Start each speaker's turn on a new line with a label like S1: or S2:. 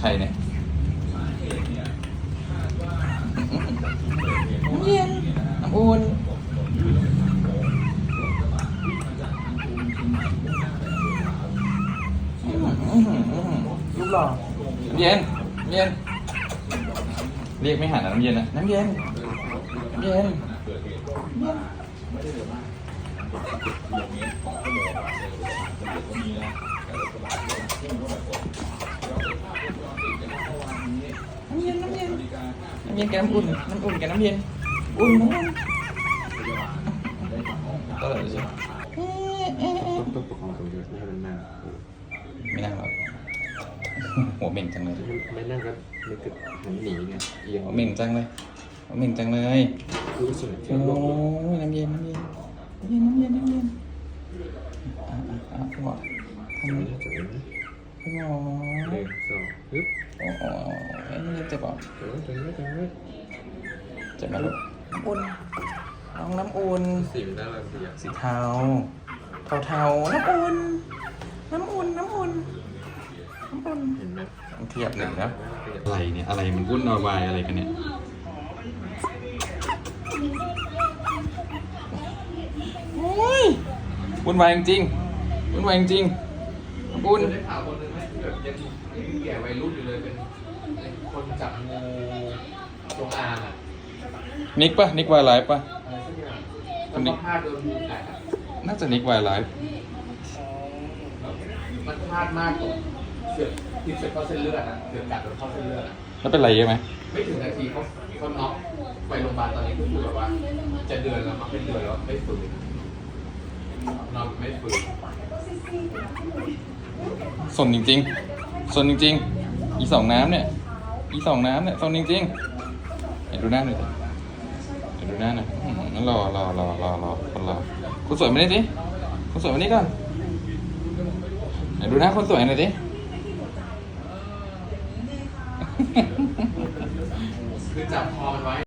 S1: รเนี่ยน้ำเย็นน้ำอุ่นรูปหล่อน้ำเย็นน้ำเย็นเรียกไม่หันน้ำเย็นนะน้ำเย็นน้ำเย็นน้ำเย็นน้ำเย็นน้ำเย็นกับน้ำอุ่นน้ำอุ่นกับน้ำเย็นอุ่นน้ำอุ่นตลอดเลยใช่ไหม
S2: ต้องประคองตัวเยอะไม่ให้มันนั่ง
S1: ไม่นั่งหรอกหัวเหม่งจังเลย
S2: ไม่นั่งก็มันจะหันหนีไงเอียง
S1: หัวเหม่งจังเลยหัวเหม่งจังเลย
S2: รู้สึก
S1: โอ้ยน้ำเย็นน้ำเย็นน้ำเย็นน้ำเย็นน้ำเย็นคุณหมอทำไม
S2: ไม่น่าจะเป็นนะ
S1: คุณหมอ
S2: 1 2ปึ๊บ
S1: โอ้โหน้ำเย็นเจ็บป่ะ
S2: จังเลย
S1: เจ็บไหมลูกน้ำอุ่นน้องน้ำอุ่น
S2: สีมันน่ารักดีอ่ะ
S1: สีเทาเทาน้ำอุ่นน้ำอุ่นน้ำอุ่นน้ำอุ่น
S2: เห็นไหม
S1: เทียบหนึ่งนะอะไรเนี่ยอะไรมันวุ่นวายอะไรกันเนี่ยโอ้ยวุ่นวายจริงๆวุ่นวายจริงๆน้ำอุ่น
S2: ได้ข่าวคนนึงไหมที่แบบยังแก่วัยรุ่นอยู่เลยเป็นคนจับงูจงอางอ่ะ
S1: นิกปะนิกวายไลฟ์ปะ
S2: อะไรสักอย่างแล้วก็พลาดโดนงูกัดอ่ะ
S1: น่าจะนิกวายไลฟ์
S2: มันพลาดมากตรงเสือกติดเสือกเข้าเส้นเลือดอ่ะเสือกกัดโดนเข้าเส้นเลือดอ่ะ
S1: แล้วเป็นไรเยอะไหม
S2: ไม่ถึงนาทีเขาน็อกไปโรงพยาบาลตอนนี้ก็คือแบบว่าจะเดือนแล้วมาเป็นเดือนแล้วไม่ฟื้นนอนไม่ฟื้น
S1: สนจริงๆสนจริงๆอีสองน้ำเนี่ยสนจริงๆเห็นดูหน้าหน่อยสิเห็นดูหน้าหน่อยงั้นรอคนรอคุณสวยมานี่สิคุณสวยมานี่ก่อนเห็นดูหน้าคนสวยหน่อยสิ
S2: คือจับคอมันไว้